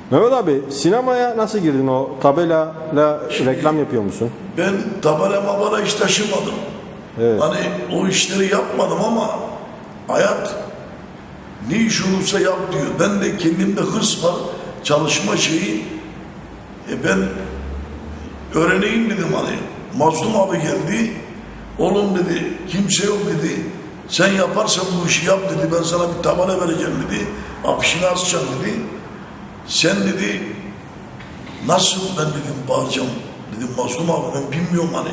Mehmet abi sinemaya nasıl girdin? O tabelayla reklam yapıyor musun? Ben tabela mabala hiç taşımadım. Evet. Hani o işleri yapmadım ama hayat ne iş olursa yap diyor. Ben de kendimde hırs var, çalışma şeyi. Ben öğreneyim dedim hani. Mazlum abi geldi. Oğlum dedi, kimse yok dedi. Sen yaparsan bu işi yap dedi. Ben sana bir tabela vereceğim dedi. Afişini asacağım dedi. Sen dedi, nasıl ben dedim bağıracağım. Dedim Mazlum abi ben bilmiyorum hani.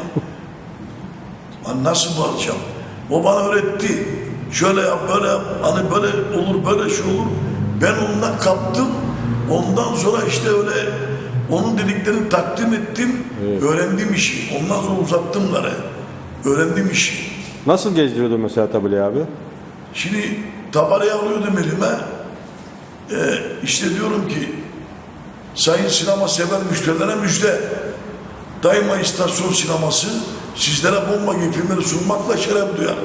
Hani nasıl bağıracağım? O bana öğretti. Şöyle yap, böyle yap. Hani böyle olur, böyle şey olur. Ben ondan kaptım. Ondan sonra işte öyle onun dediklerini takdim ettim. Evet. Öğrendim işi. Ondan sonra uzattım gari. Öğrendim işi. Nasıl gezdiriyordun mesela tabelayı abi? Şimdi tabelayı alıyordum elime. İşte diyorum ki sayın sinema sever müşterilere müjde. Daima istasyon sineması sizlere bomba gibi filmleri sunmakla şeref duyar.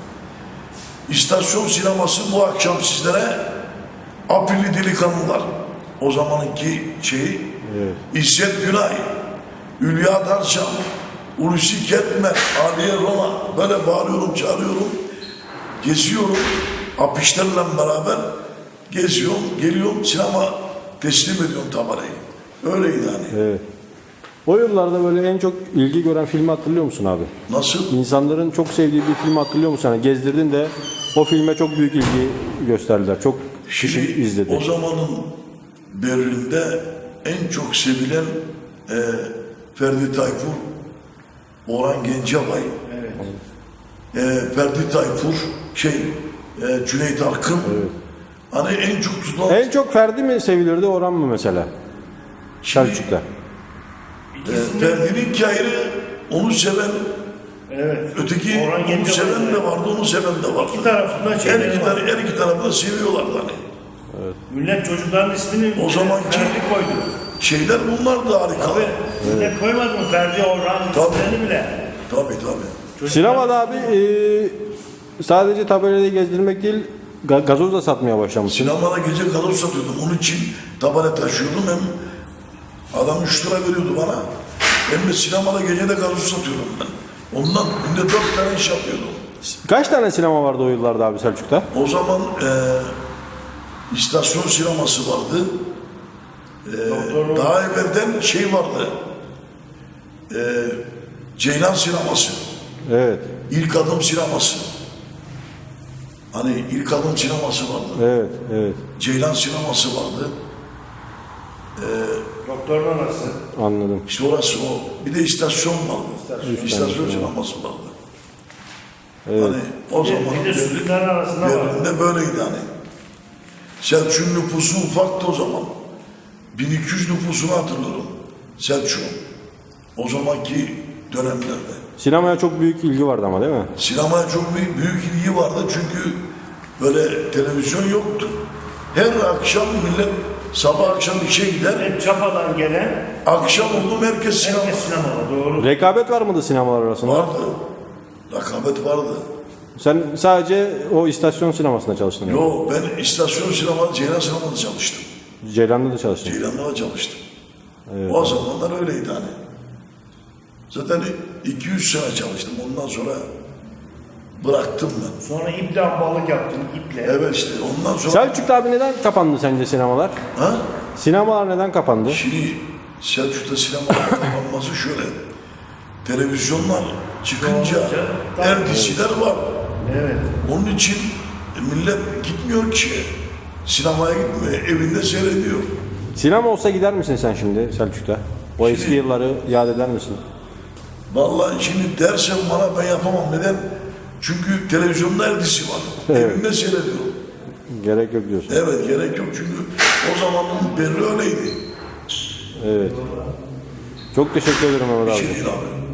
İstasyon sineması bu akşam sizlere Aprilli Delikanlılar, o zamanki şeyi, evet. İzzet Günay, Hülya Darçam, Hulusi Kentmen, Aliye Roma, böyle bağırıyorum, çağırıyorum, geziyorum, afişlerle beraber geziyorum, geliyorum, sinema teslim ediyorum tabelayı. Öyleydi hani. Evet. O yıllarda böyle en çok ilgi gören filmi hatırlıyor musun abi? Nasıl? İnsanların çok sevdiği bir filmi hatırlıyor musun? Yani gezdirdin de o filme çok büyük ilgi gösterdiler. Çok kişi izledi. O zamanın Berlin'de en çok sevilen Ferdi Tayfur, Orhan Gencebay, evet. Ferdi Tayfur, Cüneyt Arkın. Evet. Hani en çok tutulan... En çok Ferdi mi sevilirdi, Orhan mı mesela? Selçuk'ta. Ferdi'nin ayrı, onu seven, evet. Öteki onu seven de vardı, onu seven de vardı. İki tarafında her iki tarafında seviyorlardı hani. Evet. Millet çocukların ismini o zamanki Ferdi koydu. Şeyler bunlar da harika. Tabii. Evet. Millet koymadı mı Ferdi, Orhan isimlerini bile? Tabii. Sinemada abi sadece tabelayı gezdirmek değil, gazoz da satmaya başlamışsın. Sinemada gece gazoz satıyordum. Onun için tabela taşıyordum. Hem adam 3 lira veriyordu bana. Hem de sinemada gece de gazoz satıyordum ben. Ondan günde 4 tane iş yapıyordum. Kaç tane sinema vardı o yıllarda abi Selçuk'ta? O zaman istasyon sineması vardı. Daha evvelden şey vardı. Ceylan sineması. Evet. İlk adım sineması. Hani ilk adım sineması vardı. Evet, evet. Ceylan sineması vardı. Doktorun orası. Anladım. İşte orası o. Bir de istasyon vardı. İstasyon sineması vardı. Evet. Hani o zaman Berlin'de böyleydi hani. Selçuk'un nüfusu ufaktı o zaman. 1200 nüfusunu hatırlıyorum. Selçuk. O zamanki dönemlerde. Sinemaya çok büyük ilgi vardı ama değil mi? Sinemaya çok büyük ilgi vardı çünkü böyle televizyon yoktu. Her akşam millet sabah akşam işe gider. Hep Çapa'dan gelen. Akşam oldu herkes sinemada. Doğru. Rekabet var mıydı sinemalar arasında? Vardı. Rekabet vardı. Sen sadece o istasyon sinemasında çalıştın. Yok ben istasyon sinemada, Ceylan sinemada çalıştım. Ceylan'da da çalıştın. Ceylan'da da çalıştım. Evet. O zamanlar öyleydi hani. Zaten 200 sene çalıştım. Ondan sonra bıraktım ben. Sonra iple ambalık yaptın, iple. Evet işte ondan sonra... Selçuk'ta abi neden kapandı sence sinemalar? Ha? Sinemalar neden kapandı? Şimdi Selçuk'ta sinemalar kapanması şöyle. Televizyonlar çıkınca her diziler var. Evet. Onun için millet gitmiyor ki sinemaya gitmiyor. Evinde seyrediyor. Sinema olsa gider misin sen şimdi Selçuk'ta? O eski yılları yad eder misin? Vallahi şimdi dersen bana ben yapamam. Neden? Çünkü televizyonda her dizi var. Evet. Evimde seyrediyorum. Gerek yok diyorsun. Evet gerek yok çünkü o zamanın berri öyleydi. Evet. Çok teşekkür ederim Mehmet abi. Bir şey değil abi.